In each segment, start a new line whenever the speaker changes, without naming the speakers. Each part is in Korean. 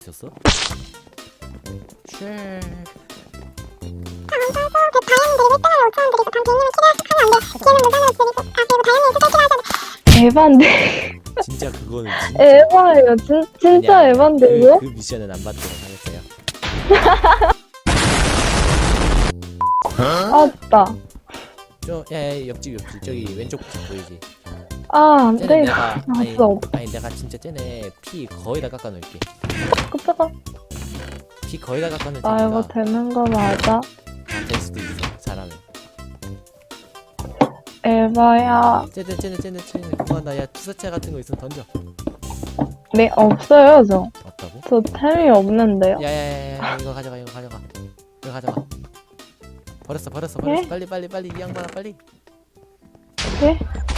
있었어?
에반데.
진짜 그거는 진짜
에바예요. 진짜
아니야,
에반데 이거?
그 미션은 안 받도록 하겠어요.
아따.
야, 옆집 저기 왼쪽 보이지?
아,
쟤네
네.
내가
봤어.
아니 내가 진짜 쟤네 피 거의 다 깎아놓을게.
끄떡아.
피 거의 다 깎아놓을
나 이거
테니까
되는 거 맞아?
될 수도 있어. 잘하면.
에바야.
쟤네 그거 한다. 야 투사체 같은 거 있으면 던져.
네, 없어요, 저.
없다고?
저 템이 없는데요.
야야야야 이거 가져가. 버렸어.
네?
빨리 이 양반아 빨리.
네?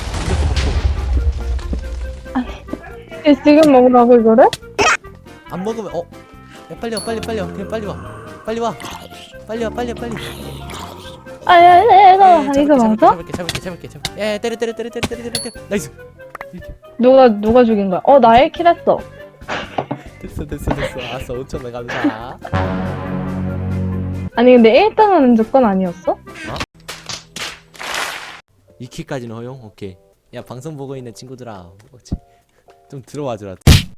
얘 지금 먹으라고 이거를?
안 먹으면 야 빨리 와 그냥 빨리 와.
아, 이거 맞아?
잡을게. 야 때려. 나이스.
누가 죽인 거야? 나 1킬 했어.
됐어. 알았어 5,000원 감사.
아니, 근데 1등은 무조건 아니었어?
2킬까지는 허용? 오케이. 야 방송 보고 있는 친구들아 좀 들어와줘라.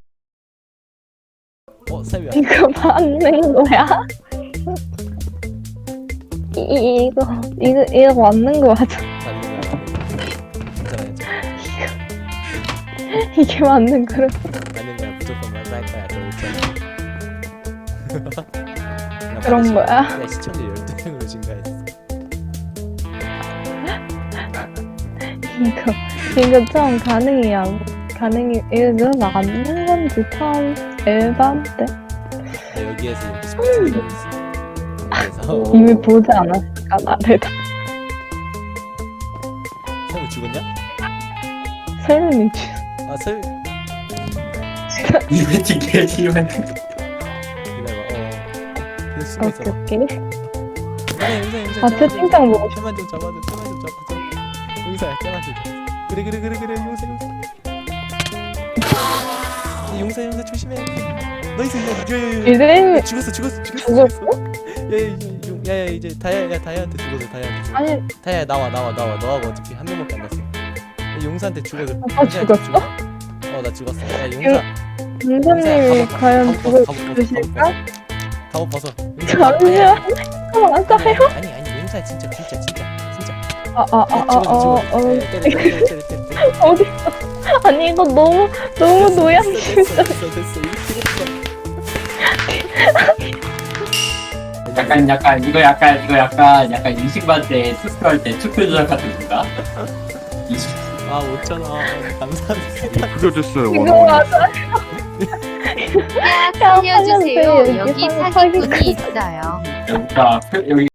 세비야.
이거 맞는 거야? 이거 맞는 거 맞아?
맞는 거야. 괜찮아.
이게 맞는 거를.
맞는 거야. 무조건 맞을 거야. 저 5,000원.
그런 거야?
야 시청자 12명으로 증가했어.
이거 처음 가능이 이거 맞는 건지 처음 에반데
여기에서 이렇게 스포츠가 있어. 그래서
이미 보지 않았을까 나를 다.
설마 죽었냐?
설문이
이벤트 개시면
기다려봐. 계속 숨어 있어.
오케이.
용사.
아, 채팅창 보고 싶어.
쟤만 좀 잡아줘. 용사야, 쟤만 좀. 그래. 용사 조심해. 나이스. 야.
이제
죽었어.
죽었어?
야 이제 다이아한테 죽었어.
아니,
다이아 나와. 너하고 어차피 한 명밖에 안 났어. 야, 용사한테 죽어서.
오빠 죽었어?
나 죽었어. 야 용사.
윤사님이 과연 죽으실까?
갑옷 벗어.
잠시만. 맞아요?
아니 용사 진짜. 때려.
어디? 아니 이거 너무 노양심이다.
됐어.
이거 약간 인식반 때 투표할 때 투표 조작 같은 건가?
5,000원 감사합니다.
그려졌어요.
이거 맞아?
살려주세요.
살려주세요.
여기
여기
사기꾼이 있어요.
여기